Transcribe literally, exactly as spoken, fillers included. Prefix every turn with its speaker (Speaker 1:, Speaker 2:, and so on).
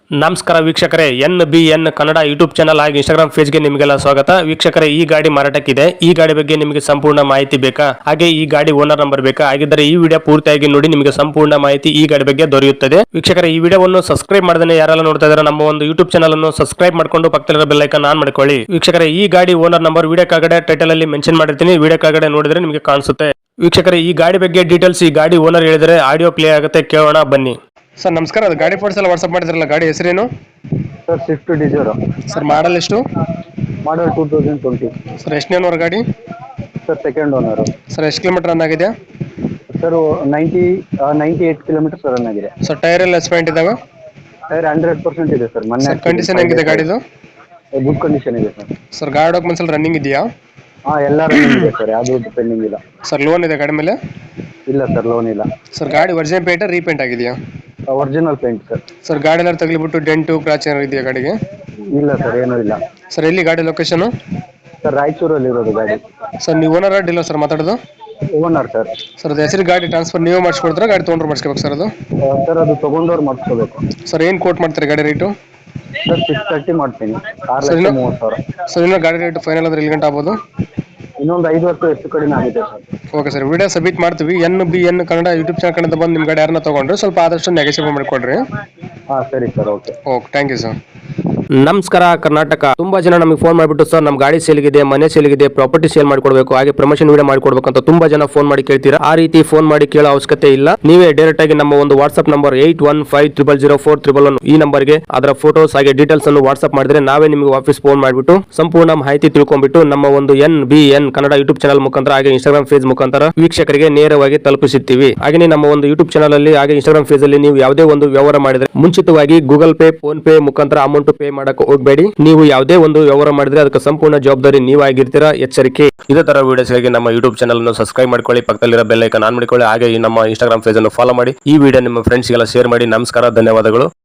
Speaker 1: ನಮಸ್ಕಾರ ವೀಕ್ಷಕರೇ, N B N Kannada YouTube channel ಹಾಗೂ ಇನ್ಸ್ಟಾಗ್ರಾಮ್ ಪೇಜ್ಗೆ ನಿಮಗೆಲ್ಲ ಸ್ವಾಗತ. ವೀಕ್ಷಕರೇ, ಈ ಗಾಡಿ ಮಾರಾಟಕ್ಕಿದೆ. ಈ ಗಾಡಿ ಬಗ್ಗೆ ನಿಮಗೆ ಸಂಪೂರ್ಣ ಮಾಹಿತಿ ಬೇಕಾ, ಹಾಗೆ ಈ ಗಾಡಿ ಓನರ್ ನಂಬರ್ ಬೇಕಾ? ಹಾಗಿದ್ದರೆ ಈ ವಿಡಿಯೋ ಪೂರ್ತಿಯಾಗಿ ನೋಡಿ, ನಿಮಗೆ ಸಂಪೂರ್ಣ ಮಾಹಿತಿ ಈ ಗಾಡಿ ಬಗ್ಗೆ ದೊರೆಯುತ್ತದೆ. ವೀಕ್ಷಕರೇ, ಈ ವಿಡಿಯೋವನ್ನು ಸಬ್ಸ್ಕ್ರೈಬ್ ಮಾಡದೇ ಯಾರೆಲ್ಲ ನೋಡ್ತಾ ಇದ್ದಾರೆ ನಮ್ಮ ಒಂದು ಯೂಟ್ಯೂಬ್ ಚಾನಲ್ ಅನ್ನು ಸಬ್ಸ್ಕ್ರೈಬ್ ಮಾಡ್ಕೊಂಡು ಪಕ್ಕದಲ್ಲಿರೋ ಬೆಲ್ ಐಕಾನ್ ಆನ್ ಮಾಡ್ಕೊಳ್ಳಿ. ವೀಕ್ಷಕರೇ, ಈ ಗಾಡಿ ಓನರ್ ನಂಬರ್ ವಿಡಿಯೋ ಕೆಳಗಡೆ ಟೈಟಲ್ ಅಲ್ಲಿ ಮೆನ್ಷನ್ ಮಾಡಿರ್ತೀನಿ, ವಿಡಿಯೋ ಕೆಳಗಡೆ ನೋಡಿದ್ರೆ ನಿಮಗೆ ಕಾಣಿಸುತ್ತೆ. ವೀಕ್ಷಕರೇ, ಈ ಗಾಡಿ ಬಗ್ಗೆ ಡೀಟೇಲ್ಸ್ ಈ ಗಾಡಿ ಓನರ್ ಹೇಳಿದರೆ ಆಡಿಯೋ ಪ್ಲೇ ಆಗುತ್ತೆ, ಕೇಳೋಣ ಬನ್ನಿ. ಸರ್ ನಮಸ್ಕಾರ, ಅದು ಗಾಡಿ ಫೋಟೋಸ್ ಎಲ್ಲ ವಾಟ್ಸ್ಆಪ್ ಮಾಡಿದ್ರಲ್ಲ, ಗಾಡಿ ಹೆಸರೇನು?
Speaker 2: Sir Swift Dzire.
Speaker 1: Sir model ಎಷ್ಟು?
Speaker 2: Model two thousand twenty.
Speaker 1: Sir ಎಷ್ಟನೇ ಓನರ್ ಗಾಡಿ?
Speaker 2: Sir second owner.
Speaker 1: ಸರ್ ಎಷ್ಟು ಕಿಲೋಮೀಟರ್ ರನ್ ಆಗಿದೆ?
Speaker 2: Sir ninety ninety eight kilometres run ಆಗಿದೆ.
Speaker 1: ಸರ್ ಟೈರ್ ಎಲ್ಲ ಎಸ್ಪೆಂಟ್ ಇದಾವೆ?
Speaker 2: ಟೈರ್ ಹಂಡ್ರೆಡ್ ಪರ್ಸೆಂಟ್ ಇದೆ ಸರ್. ಮೊನ್ನೆ
Speaker 1: ಕಂಡೀಷನ್ ಹೆಂಗಿದೆ ಗಾಡಿದು?
Speaker 2: ಗುಡ್ ಕಂಡೀಷನ್ ಇದೆ ಸರ್.
Speaker 1: ಸರ್ ಗಾಡಿ ಡಾಕ್ಯುಮೆಂಟ್ಸ್ ಎಲ್ಲ ರನ್ನಿಂಗ್ ಇದೆಯಾ?
Speaker 2: ಹಾಂ, ಎಲ್ಲ ರನ್ನಿಂಗ್ ಇದೆ ಸರ್, ಯಾವುದು ಪೆಂಡಿಂಗ್ ಇಲ್ಲ.
Speaker 1: ಸರ್ ಲೋನ್ ಇದೆ ಗಾಡಿ ಮೇಲೆ?
Speaker 2: ಇಲ್ಲ ಸರ್, ಲೋನ್ ಇಲ್ಲ.
Speaker 1: ಸರ್ ಗಾಡಿ ಒರಿಜಿನಲ್ ಪೇಂಟ್ ರೀಪೇಂಟ್ ಆಗಿದೆಯಾ?
Speaker 2: Original paint sir.
Speaker 1: ಸರ್ ಗಾಡಿ ಎಲ್ಲ ತಗಲಿಬಿಟ್ಟು ಡೆಂಟು ಕ್ರಾಚ್ ಏನಾರು ಇದೆಯಾ ಗಾಡಿಗೆ?
Speaker 2: ಇಲ್ಲ ಸರ್, ಏನೂ ಇಲ್ಲ.
Speaker 1: ಸರ್ ಎಲ್ಲಿ ಗಾಡಿ ಲೊಕೇಶನ್?
Speaker 2: ಸರ್ ರಾಯಚೂರಲ್ಲಿ ಇರೋದು ಗಾಡಿ.
Speaker 1: ಸರ್ ನೀವು ಓನರ್ ಡೀಲರ್ ಸರ್ ಮಾತಾಡೋದು?
Speaker 2: Owner sir.
Speaker 1: ಸರ್ ಅದು ಹೆಸರು ಗಾಡಿ ಟ್ರಾನ್ಸ್ಫರ್ ನೀವೇ ಮಾಡಿಸ್ಕೊಡ್ತಾರೆ, ಗಾಡಿ ತೊಗೊಂಡ್ರು ಮಾಡಿಸ್ಕೋಬೇಕು ಸರ್ ಅದು?
Speaker 2: ಸರ್ ಅದು ತೊಗೊಂಡವ್ರು ಮಾಡಿಸ್ಕೋಬೇಕು.
Speaker 1: ಸರ್ ಏನು ಕೋಟ್ ಮಾಡ್ತಾರೆ ಗಾಡಿ ರೇಟು?
Speaker 2: ಸರ್ ಸಿಕ್ಸ್ ತರ್ಟಿ ಮಾಡ್ತೀನಿ, ಆರು
Speaker 1: ಸರ್
Speaker 2: ಲಕ್ಷ
Speaker 1: ಇನ್ನು
Speaker 2: ಮೂವತ್ತು ಸಾವಿರ.
Speaker 1: ಸರ್ ಇನ್ನೂ ಗಾಡಿ ರೇಟ್ ಫೈನಲ್ ಅಂದ್ರೆ ಎಲ್ಲಿ ಗಂಟೆ ಆಗ್ಬೋದು?
Speaker 2: ಇನ್ನೊಂದು ಐದು ವರ್ಷ ಹೆಚ್ಚು ಕಡಿಮೆ ಆಗಿದೆ sir.
Speaker 1: Okay sir, video submit ಮಾಡ್ತೀವಿ. N B N Kannada YouTube channel ಕಡೆಯಿಂದ ಬಂದು ನಿಮ್ಮ ಗಾಡಿ ಯಾರನ್ನ ತೊಗೊಂಡ್ರೆ ಸ್ವಲ್ಪ ಆದಷ್ಟು ನೆಗೆಸಿಬಲ್ ಮಾಡಿಕೊಡ್ರಿ.
Speaker 2: ಹಾಂ ಸರಿ sir, okay
Speaker 1: okay, thank you sir.
Speaker 3: ನಮಸ್ಕಾರ ಕರ್ನಾಟಕ. ತುಂಬಾ ಜನ ನಮಗೆ ಫೋನ್ ಮಾಡಿಬಿಟ್ಟು ಸರ್ ನಮ್ಮ ಗಾಡಿ ಸೇಲ್ಗಿದೆ, ಮನೆ ಸೇಲ್ಗಿದೆ, ಪ್ರಾಪರ್ಟಿ ಸೇಲ್ ಮಾಡಿಕೊಡ್ಬೇಕು, ಹಾಗೆ ಪ್ರಮೋಷನ್ ವಿಡಿಯೋ ಮಾಡಿಕೊಡ್ಬೇಕು ಅಂತ ತುಂಬಾ ಜನ ಫೋನ್ ಮಾಡಿ ಕೇಳ್ತೀರಾ. ಆ ರೀತಿ ಫೋನ್ ಮಾಡಿ ಕೇಳೋ ಅವಶ್ಯಕತೆ ಇಲ್ಲ. ನೀವೇ ಡೈರೆಕ್ಟ್ ಆಗಿ ನಮ್ಮ ಒಂದು WhatsApp number eight one five triple zero four triple one ಈ ನಂಬರ್ಗೆ ಅದರ ಫೋಟೋಸ್ ಹಾಗೆ ಡೀಟೇಲ್ಸ್ ಅನ್ನು ವಾಟ್ಸ್ಆಪ್ ಮಾಡಿದ್ರೆ ನಾವೇ ನಿಮಗೆ ವಾಪಸ್ ಫೋನ್ ಮಾಡಿಬಿಟ್ಟು ಸಂಪೂರ್ಣ ಮಾಹಿತಿ ತಿಳ್ಕೊಂಡ್ಬಿಟ್ಟು ನಮ್ಮ ಒಂದು N B N Kannada YouTube channel ಮುಖಾಂತರ ಹಾಗೆ ಇನ್ಸ್ಟಾಗ್ರಾಮ್ ಪೇಜ್ ಮುಖಾಂತರ ವೀಕ್ಷಕರಿಗೆ ನೇರವಾಗಿ ತಲುಪಿಸುತ್ತೀವಿ. ಹಾಗೆ ನಮ್ಮ ಒಂದು ಯೂಟ್ಯೂಬ್ ಚಾನಲ್ ಅಲ್ಲಿ ಹಾಗೆ ಇನ್ಸ್ಟಾಗ್ರಾಮ್ ಪೇಜ್ ಅಲ್ಲಿ ನೀವು ಯಾವುದೇ ಒಂದು ವ್ಯವಹಾರ ಮಾಡಿದ್ರೆ ಮುಂಚಿತವಾಗಿ ಗೂಗಲ್ ಪೇ, ಫೋನ್ ಪೇ ಮುಖಾಂತರ ಅಮೌಂಟ್ ಪೇ ಮಾಡಕ್ಕೆ ಹೋಗಬೇಡಿ. ನೀವು ಯಾವುದೇ ಒಂದು ವ್ಯವಹಾರ ಮಾಡಿದ್ರೆ ಅದಕ್ಕೆ ಸಂಪೂರ್ಣ ಜವಾಬ್ದಾರಿ ನೀವಾಗಿರ್ತೀರಾ, ಎಚ್ಚರಿಕೆ. ಇದೇ ತರ ವಿಡಿಯೋಸ್ಗಾಗಿ ನಮ್ಮ ಯೂಟ್ಯೂಬ್ ಚಾನಲ್ ಅನ್ನು ಸಬ್ಸ್ಕ್ರೈಬ್ ಮಾಡ್ಕೊಳ್ಳಿ, ಪಕ್ಕದಲ್ಲಿರೋ ಬೆಲ್ ಐಕಾನ್ ಆನ್ ಮಾಡಿಕೊಳ್ಳಿ, ಹಾಗೆ ನಮ್ಮ ಇನ್ಸ್ಟಾಗ್ರಾಮ್ ಪೇಜ್ ಅನ್ನು ಫಾಲೋ ಮಾಡಿ. ಈ ವಿಡಿಯೋ ನಿಮ್ಮ ಫ್ರೆಂಡ್ಸ್ಗೆಲ್ಲ ಶೇರ್ ಮಾಡಿ. ನಮಸ್ಕಾರ, ಧನ್ಯವಾದಗಳು.